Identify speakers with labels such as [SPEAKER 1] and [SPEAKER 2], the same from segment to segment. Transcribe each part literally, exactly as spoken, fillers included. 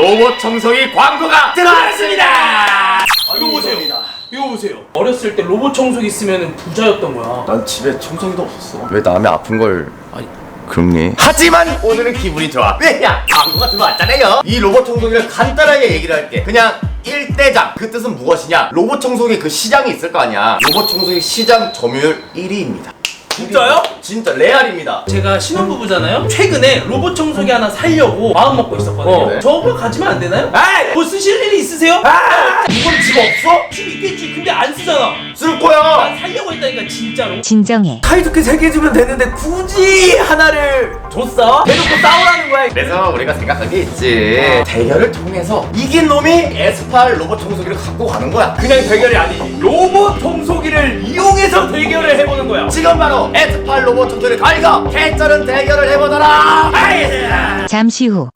[SPEAKER 1] 로봇 청소기 광고가 들어왔습니다.
[SPEAKER 2] 이거 보세요. 이거 보세요. 어렸을 때 로봇 청소기 있으면 부자였던 거야.
[SPEAKER 1] 난 집에 청소기도 없었어. 왜 남의 아픈 걸
[SPEAKER 2] 아니,
[SPEAKER 1] 그렇니? 하지만 오늘은 기분이 좋아. 왜냐? 광고가 들어왔잖아요. 이 로봇 청소기를 간단하게 얘기를 할게. 그냥 일대장. 그 뜻은 무엇이냐? 로봇 청소기 그 시장이 있을 거 아니야. 로봇 청소기 시장 점유율 일 위입니다.
[SPEAKER 2] 진짜요?
[SPEAKER 1] 진짜 레알입니다.
[SPEAKER 2] 제가 신혼부부잖아요. 최근에 로봇 청소기 하나 살려고 마음 먹고 있었거든요.
[SPEAKER 1] 어, 네.
[SPEAKER 2] 저거 가지면 안 되나요? 에이! 뭐 쓰실 일이 있으세요?
[SPEAKER 1] 아! 이건 집 없어?
[SPEAKER 2] 집 있겠지. 근데 안 쓰잖아.
[SPEAKER 1] 쓸 거야.
[SPEAKER 2] 난 살려고 했다니까 진짜로.
[SPEAKER 3] 진정해.
[SPEAKER 2] 타이즈키 세 개 주면 되는데 굳이 하나를 줬어? 대놓고 싸우라는 거야.
[SPEAKER 1] 그래서 우리가 생각한 게 있지. 대결을 통해서 이긴 놈이 에스팔 로봇 청소기를 갖고 가는 거야.
[SPEAKER 2] 그냥 대결이 아니지. 로봇 청소기를 이용해서 대결을 해보는 거야.
[SPEAKER 1] 지금 바로 에스팔 로봇 청소기를 가이가 개쩌는 대결을 해보더라. 아이!
[SPEAKER 3] 잠시 후.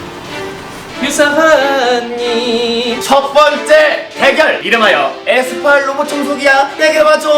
[SPEAKER 2] 유사하니
[SPEAKER 1] 첫 번째 대결 이름하여 에스팔 로봇 청소기야 대결 좀.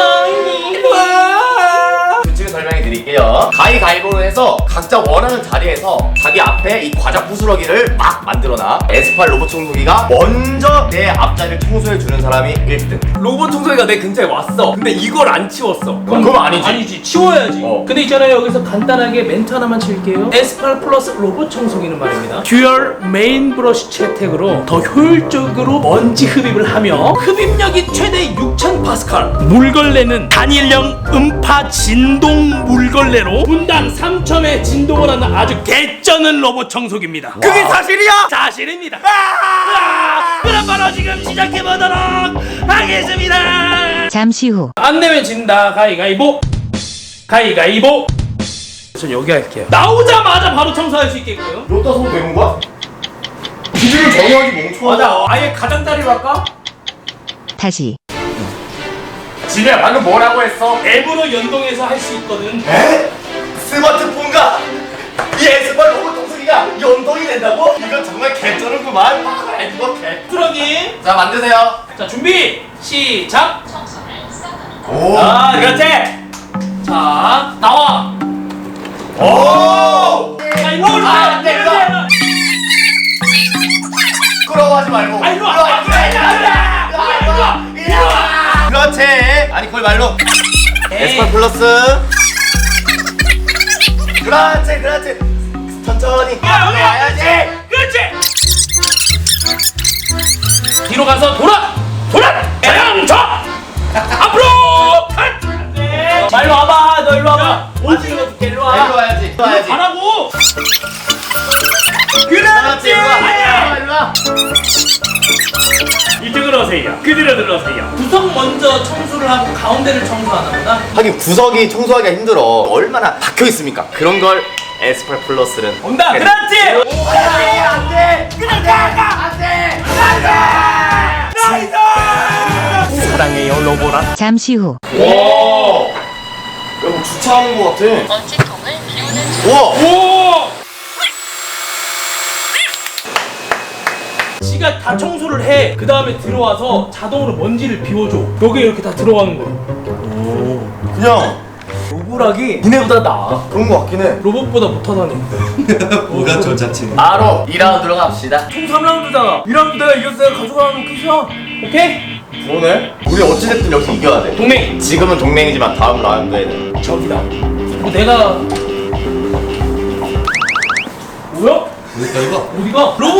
[SPEAKER 1] 규칙을 설명해 드릴게요. 가위가위보로 해서 각자 원하는 자리에서 자기 앞에 이 과자 부스러기를 막 만들어놔. 에스팔 로봇 청소기가 먼저 내 앞자리를 청소해 주는 사람이 일 등.
[SPEAKER 2] 로봇 청소기가 내 근처에 왔어. 근데 이걸 안 치웠어.
[SPEAKER 1] 그럼 아니지.
[SPEAKER 2] 아니지. 치워야지.
[SPEAKER 1] 어.
[SPEAKER 2] 근데 있잖아요. 여기서 간단하게 멘트 하나만 칠게요. 에스팔 플러스 로봇 청소기는 말입니다. 듀얼 메인 브러쉬 채택으로 더 효율적으로 먼지 흡입을 하며 흡입력이 최대 육천 파스칼. 물걸레는 단일형 음파 진동 물걸레로 분당 삼 점의 진동을 하는 아주 개쩌는 로봇 청소기입니다.
[SPEAKER 1] 그게 사실이야?
[SPEAKER 2] 사실입니다. 아! 그럼 바로 지금 시작해보도록 하겠습니다.
[SPEAKER 3] 잠시 후.
[SPEAKER 2] 안 내면 진다. 가위가위보. 가위가위보. 전 여기 할게요. 나오자마자 바로 청소할 수 있게끔.
[SPEAKER 1] 여기다 서도 되는 거야? 기준을 정해야지 멍청하다.
[SPEAKER 2] 맞아. 아예 가장자리로 할까?
[SPEAKER 3] 다시.
[SPEAKER 1] 지네 방금 뭐라고 했어?
[SPEAKER 2] 앱으로 연동해서 할 수 있거든.
[SPEAKER 1] 에? 스마트폰과 이 에스팔 로봇 청소기가 연동이 된다고? 이건 정말 개쩌는구만. 아, 이거 개.
[SPEAKER 2] 트럭이.
[SPEAKER 1] 자 만드세요.
[SPEAKER 2] 자 준비 시작.
[SPEAKER 1] 오.
[SPEAKER 2] 아 그렇지. 자 나와.
[SPEAKER 1] 오.
[SPEAKER 2] 자 일로 와.
[SPEAKER 1] 아, 안 돼, 일로 와. 부끄러워하지 말고.
[SPEAKER 2] 아, 일로 와.
[SPEAKER 1] 일로 와. 일로 와. 일로 와. 일로 와. 그렇지. 아니 거기 말로. 에스팔 플러스. 그렇지, 그렇지. 천천히.
[SPEAKER 2] 야 여기
[SPEAKER 1] 와야지.
[SPEAKER 2] 그렇지. 뒤로 가서 돌아. 돌아. 양저 앞으로. 안돼. 자 일로 와봐. 너 일로 와봐. 어디 일로 일로 와.
[SPEAKER 1] 일로 와야지. 일로 와야지.
[SPEAKER 2] 가라고.
[SPEAKER 1] 그렇지. 일로 와. 일로 와. 일로 와.
[SPEAKER 2] 이쪽으로 오세요. 그대로 들어오세요. 구석 먼저 청소를 하고 가운데를 청소하나 보다.
[SPEAKER 1] 하긴 구석이 청소하기가 힘들어. 얼마나 박혀 있습니까? 그런 걸 에스팔 플러스는
[SPEAKER 2] 온다.
[SPEAKER 1] 해.
[SPEAKER 2] 그렇지.
[SPEAKER 1] 안돼, 안돼,
[SPEAKER 2] 그냥 가가.
[SPEAKER 1] 안돼,
[SPEAKER 2] 나이스. 사랑해요 로보라.
[SPEAKER 3] 잠시 후.
[SPEAKER 1] 와, 야, 뭐 주차하는 거 같아.
[SPEAKER 4] 먼지통을 비우는 중.
[SPEAKER 1] 우와,
[SPEAKER 2] 오. 지가 다 청소를 해. 그 다음에 들어와서 자동으로 먼지를 비워줘. 여기 이렇게 다 들어가는 거야.
[SPEAKER 1] 그냥
[SPEAKER 2] 로보락이 니네보다 나아.
[SPEAKER 1] 그런 거 같긴 해.
[SPEAKER 2] 로봇보다 못하다니.
[SPEAKER 5] 뭐가 저 자체.
[SPEAKER 1] 바로 이 라운드로 갑시다.
[SPEAKER 2] 총 삼 라운드잖아. 이 라운드 내가 이겼어요. 가져가는 끝이야. 오케이?
[SPEAKER 1] 그러네. 우리 어찌됐든 여기서 이겨야 돼.
[SPEAKER 2] 동맹.
[SPEAKER 1] 지금은 동맹이지만 다음 라운드에는
[SPEAKER 2] 저기다. 뭐 내가 뭐야?
[SPEAKER 5] 어디가 이거?
[SPEAKER 2] 어디가? 로봇.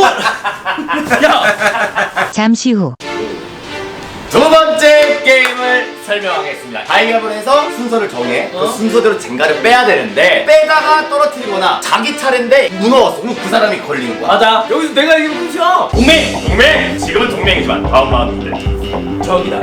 [SPEAKER 2] 야.
[SPEAKER 3] 잠시 후.
[SPEAKER 1] 두 번째 게임을 설명하겠습니다. 가위바위보를 해서 순서를 정해.
[SPEAKER 2] 어?
[SPEAKER 1] 그 순서대로 젠가를 빼야 되는데 빼다가 떨어뜨리거나 자기 차례인데 무너웠어. 그럼 그 사람이 걸리는 거야.
[SPEAKER 2] 맞아. 여기서 내가 이기면 끝이야. 동맹.
[SPEAKER 1] 동맹! 지금은 동맹이지만 다음 라운드인데
[SPEAKER 2] 저기다.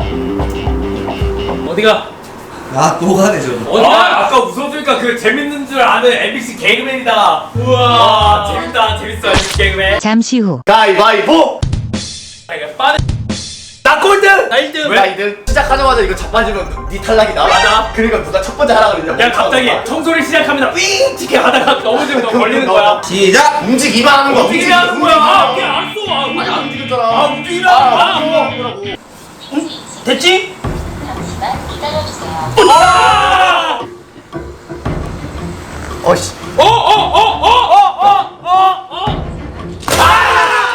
[SPEAKER 2] 어디가?
[SPEAKER 5] 아, 또 가네, 저거.
[SPEAKER 2] 어디가? 아까 웃었으니까 그 재밌는 줄 아는 엠비씨 개그맨이다. 우와, 재밌다, 재밌어, 엠비씨 개그맨.
[SPEAKER 3] 잠시 후.
[SPEAKER 1] 가위바위보!
[SPEAKER 2] 빠른. 나 꼴등! 나 일 등!
[SPEAKER 1] 왜? 이 등 시작하자마자 이거 자빠지면 네 탈락이다.
[SPEAKER 2] 맞아.
[SPEAKER 1] 그러니까 누가 첫 번째 하라 그랬냐.
[SPEAKER 2] 야, 갑자기 청소를 시작합니다. 윙! 티켓 하다가 넘어지면 너 걸리는 거야.
[SPEAKER 5] 시작!
[SPEAKER 1] 움직이만 하는 거야.
[SPEAKER 2] 움직이면 하는 거야. 아, 그냥 알았어. 아,
[SPEAKER 1] 아니 안 움직였잖아.
[SPEAKER 2] 아, 움직이라.
[SPEAKER 1] 아,
[SPEAKER 2] 아,
[SPEAKER 1] 움직이라고.
[SPEAKER 2] 응? 됐지?
[SPEAKER 4] 잠시만 기다려주세요.
[SPEAKER 2] 아!
[SPEAKER 1] 어이씨.
[SPEAKER 2] 어, 어, 어, 어, 어, 어, 어, 어. 아!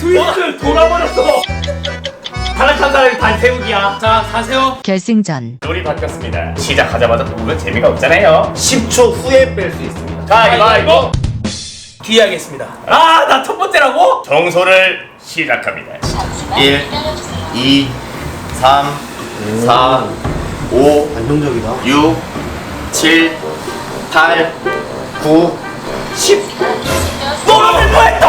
[SPEAKER 2] 트위스트 돌아버렸어.
[SPEAKER 1] 탈락한 사람이 반태욱이야.
[SPEAKER 2] 자, 가세요.
[SPEAKER 3] 결승전.
[SPEAKER 1] 룰이 바뀌었습니다. 시작하자마자 보면 재미가 없잖아요. 십 초 후에 뺄 수 있습니다. 가위바위보.
[SPEAKER 2] 뒤에 하겠습니다. 아, 나 첫 번째라고?
[SPEAKER 1] 정소를 시작합니다.
[SPEAKER 4] 잠시만
[SPEAKER 1] 일,
[SPEAKER 4] 기다려주세요.
[SPEAKER 1] 이, 삼, 사, 오,
[SPEAKER 5] 안정적이다.
[SPEAKER 1] 육, 칠, 팔, 구, 십.
[SPEAKER 2] 너는 뭐했다?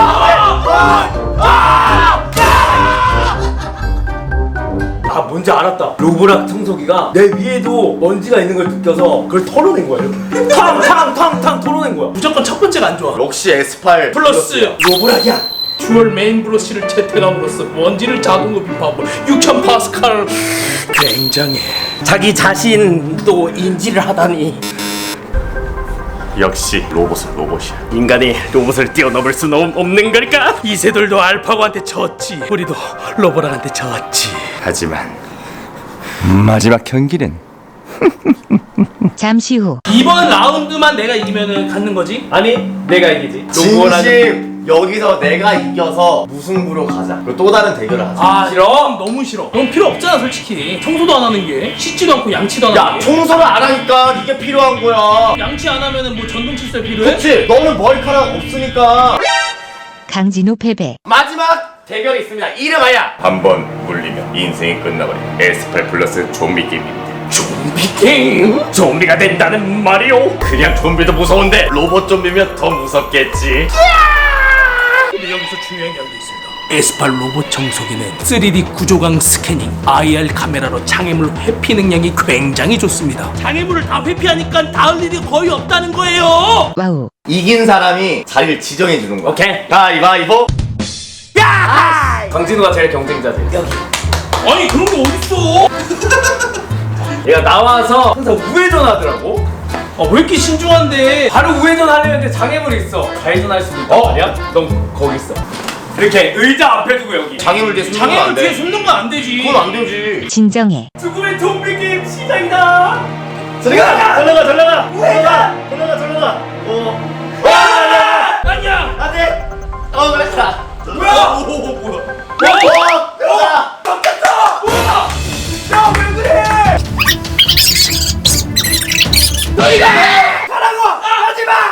[SPEAKER 6] 아 뭔지 알았다. 로보락 청소기가 내 위에도 먼지가 있는 걸 느껴서 그걸 털어낸 거야 이렇게. 탕탕탕탕 털어낸 거야.
[SPEAKER 2] 무조건 첫 번째가 안 좋아.
[SPEAKER 1] 역시 에스팔
[SPEAKER 2] 플러스
[SPEAKER 6] 로보락이야.
[SPEAKER 2] 듀얼 메인 브러쉬를 채택함으로써 먼지를 자동 흡입하고 육천 파스칼. 굉장해.
[SPEAKER 6] 자기 자신도 인지를 하다니.
[SPEAKER 1] 역시 로봇은 로봇이야.
[SPEAKER 6] 인간이 로봇을 뛰어넘을 수는 없는 걸까?
[SPEAKER 2] 이세돌도 알파고한테 졌지. 우리도 로보락한테 졌지.
[SPEAKER 1] 하지만 마지막 경기는
[SPEAKER 3] 잠시 후.
[SPEAKER 2] 이번 라운드만 내가 이기면은 갖는 거지?
[SPEAKER 6] 아니 내가 이기지. 로보락은
[SPEAKER 1] 진심 여기서 내가 이겨서 무승부로 가자. 그리고 또 다른 대결을 하자.
[SPEAKER 2] 아 싫어? 너무 싫어. 넌 필요 없잖아 솔직히. 청소도 안 하는 게 씻지도 않고 양치도 안
[SPEAKER 1] 야
[SPEAKER 2] 하는 게.
[SPEAKER 1] 청소를 안 하니까 이게 필요한 거야.
[SPEAKER 2] 양치 안 하면은 뭐 전동 칫솔 필요해?
[SPEAKER 1] 그렇지. 너는 머리카락 없으니까.
[SPEAKER 3] 강진우 패배.
[SPEAKER 1] 마지막 대결이 있습니다. 이름하여 한 번 물리면 인생이 끝나버린 에스팔 플러스 좀비 게임입니다. 좀비 게임? 좀비가 된다는 말이오? 그냥 좀비도 무서운데 로봇 좀비면 더 무섭겠지.
[SPEAKER 2] 근데 여기서 중요한 게 한 게 있습니다. 에스팔 로봇 청소기는 쓰리디 구조강 스캐닝, 아이알 카메라로 장애물 회피 능력이 굉장히 좋습니다. 장애물을 다 회피하니까 닿을 일이 거의 없다는 거예요.
[SPEAKER 3] 와우.
[SPEAKER 1] 이긴 사람이 자리를 지정해 주는 거야.
[SPEAKER 6] 오케이.
[SPEAKER 1] 가위바위보.
[SPEAKER 6] 강진우가 제일 경쟁자지. 여기.
[SPEAKER 2] 아니 그런 게 어딨어?
[SPEAKER 6] 얘가 나와서 항상 우회전 하더라고.
[SPEAKER 2] 아, 왜 이렇게 신중한데?
[SPEAKER 6] 바로 우회전 하려는데 장애물이 있어. 좌회전 할 수도 있단
[SPEAKER 1] 어?
[SPEAKER 6] 말이야? 넌 거기 있어. 이렇게 의자 앞에 두고 여기.
[SPEAKER 1] 장애물 뒤에 숨는 건
[SPEAKER 2] 장애물
[SPEAKER 1] 안
[SPEAKER 2] 뒤에
[SPEAKER 1] 돼.
[SPEAKER 2] 숨는 건 안 되지.
[SPEAKER 1] 그건 안 되지.
[SPEAKER 3] 진정해.
[SPEAKER 6] 죽음의 좀비 게임 시작이다.
[SPEAKER 1] 저리가! 절러가 절러가! 절러가! 절러가 절러가! 어. 와!
[SPEAKER 2] 아니야.
[SPEAKER 1] 안 돼! 어 그랬다.
[SPEAKER 6] 뭐야? 오, 오, 뭐야?
[SPEAKER 1] 어! 들어가!
[SPEAKER 6] 야왜 그래? 너희가 가라고! 하지 마!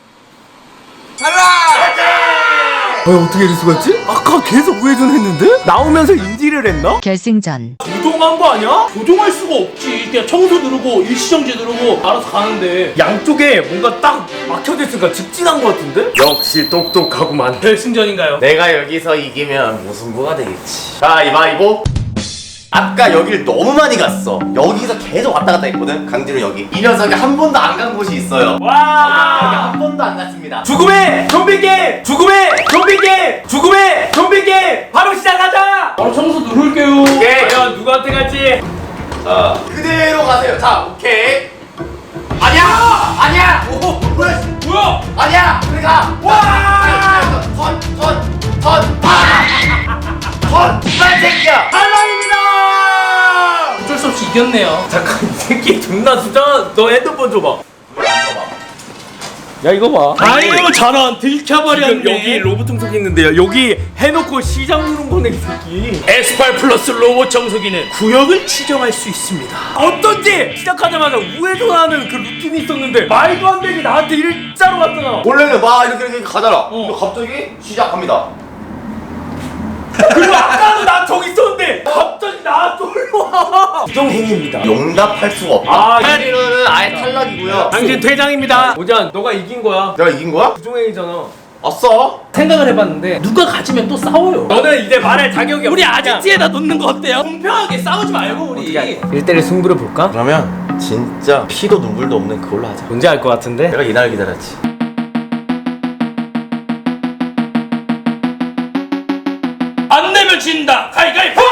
[SPEAKER 6] 왜 어떻게 이럴 수가 있지? 아까 계속 우회전했는데? 나오면서 인지를 했나?
[SPEAKER 3] 결승전.
[SPEAKER 2] 조종한 거 아니야? 조종할 수가 없지. 그냥 청소 누르고 일시정지 누르고 알아서 가는데.
[SPEAKER 6] 양쪽에 뭔가 딱 막혀져 있으니까 직진한 것 같은데? 역시 똑똑하구만.
[SPEAKER 2] 결승전인가요?
[SPEAKER 1] 내가 여기서 이기면 무승부가 되겠지. 가위바위보. 아까 여길 너무 많이 갔어. 여기서 계속 왔다 갔다 했거든. 강진우 여기. 이 녀석이 한 번도 안 간 곳이 있어요. 여기
[SPEAKER 6] 와!
[SPEAKER 1] 한 번도 안 갔습니다.
[SPEAKER 6] 죽음의 좀비 게임! 죽음의 좀비 게임! 죽음의 좀비 게임! 바로 시작하자!
[SPEAKER 2] 바로 청소 누를게요.
[SPEAKER 1] 오케이.
[SPEAKER 6] 과연 누구한테 갈지?
[SPEAKER 1] 자, 그대로 가세요. 자, 오케이. 아니야! 아니야! 오, 뭐야?
[SPEAKER 2] 뭐야?
[SPEAKER 1] 아니야! 그래 가! 와! 턴! 턴! 턴! 아! 턴! 이만 새끼야!
[SPEAKER 6] 탈락입니다!
[SPEAKER 2] 어쩔 수 없이 이겼네요.
[SPEAKER 6] 잠깐 이 새끼 존나 수잖아. 너 핸드폰 줘봐. 야 이거 봐.
[SPEAKER 2] 아유 저런 들켜버렸네.
[SPEAKER 6] 지금 여기 로봇 청소기 있는데요. 여기 해놓고 시장 누른 거네 이 새끼.
[SPEAKER 2] 에스팔 플러스 로봇 청소기는 구역을 지정할 수 있습니다.
[SPEAKER 6] 어쩐지 시작하자마자 우회전하는 그 루틴이 있었는데 말도 안 되게 나한테 일자로 왔잖아.
[SPEAKER 1] 원래는 막 이렇게 이렇게 가잖아. 근데 갑자기 시작합니다.
[SPEAKER 6] 그리고 아까도 나 저기 있었는데 갑자기 나 쏠러 와. 부정행위입니다.
[SPEAKER 1] 용납할 수가 없다.
[SPEAKER 6] 아,
[SPEAKER 1] 강진우는 아예 탈락이고요.
[SPEAKER 6] 당신 퇴장입니다. 오지환 너가 이긴 거야.
[SPEAKER 1] 내가 이긴 거야?
[SPEAKER 6] 부정행위잖아.
[SPEAKER 1] 아싸.
[SPEAKER 2] 생각을 해봤는데 누가 가지면 또 싸워요.
[SPEAKER 6] 너는 이제 말할 자격이 없어.
[SPEAKER 2] 우리 아지트에다 놓는 거 어때요? 공평하게 싸우지 말고 우리.
[SPEAKER 6] 일 대일 승부를 볼까?
[SPEAKER 1] 그러면 진짜 피도 눈물도 없는 그걸로 하자.
[SPEAKER 6] 뭔지 알 것 같은데?
[SPEAKER 1] 내가 이날 기다렸지.
[SPEAKER 2] 안 내면 진다. 가위가위보.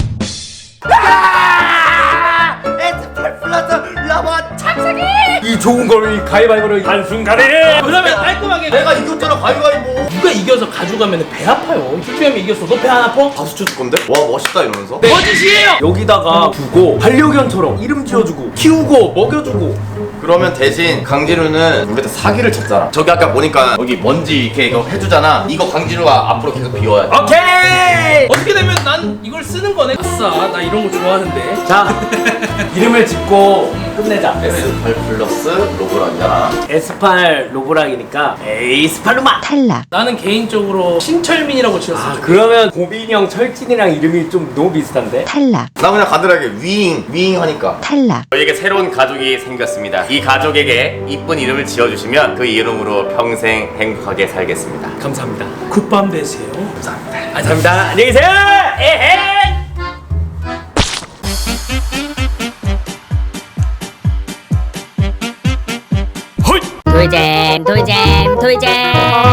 [SPEAKER 1] 에스팔 플러스 로봇 착색이.
[SPEAKER 6] 이 좋은 걸 이 가위바위보로 한순간에
[SPEAKER 2] 그러면 깔끔하게
[SPEAKER 1] 내가 이겼잖아 가위바위보.
[SPEAKER 2] 누가 이겨서 가져가면 배 아파요. 투표하면 이겼어. 너 배 안 아파?
[SPEAKER 1] 박수 쳐줄 건데? 와 멋있다 이러면서.
[SPEAKER 2] 거짓이에요.
[SPEAKER 6] 여기다가 두고 반려견처럼 이름 지어주고 키우고 먹여주고.
[SPEAKER 1] 그러면 대신 강진우는 우리한테 사기를 쳤잖아. 저기 아까 보니까 여기 먼지 이렇게 이거 해주잖아. 이거 강진우가 앞으로 계속 비워야 돼.
[SPEAKER 6] 오케이.
[SPEAKER 2] 어떻게 되면 난 이걸 쓰는 거네. 아싸, 나 이런 거 좋아하는데.
[SPEAKER 6] 자 이름을 짓고 끝내자.
[SPEAKER 1] 에스팔 플러스 로브락이야.
[SPEAKER 6] 에스팔 로브락이니까 에이스팔로마.
[SPEAKER 3] 탈락.
[SPEAKER 2] 나는 개인적으로 신철민이라고 지었어.
[SPEAKER 6] 아 그러면 고빈형 철진이랑 이름이 좀 너무 비슷한데?
[SPEAKER 3] 탈락.
[SPEAKER 1] 나 그냥 간단하게 위잉 위잉 하니까.
[SPEAKER 3] 탈락.
[SPEAKER 1] 저에게 새로운 가족이 생겼습니다. 이 가족에게 이쁜 이름을 지어주시면 그 이름으로 평생 행복하게 살겠습니다.
[SPEAKER 6] 감사합니다.
[SPEAKER 2] 굿밤 되세요.
[SPEAKER 1] 감사합니다.
[SPEAKER 6] 감사합니다. 안녕히 계세요. 에헤.
[SPEAKER 7] 돌잼 돌잼 돌잼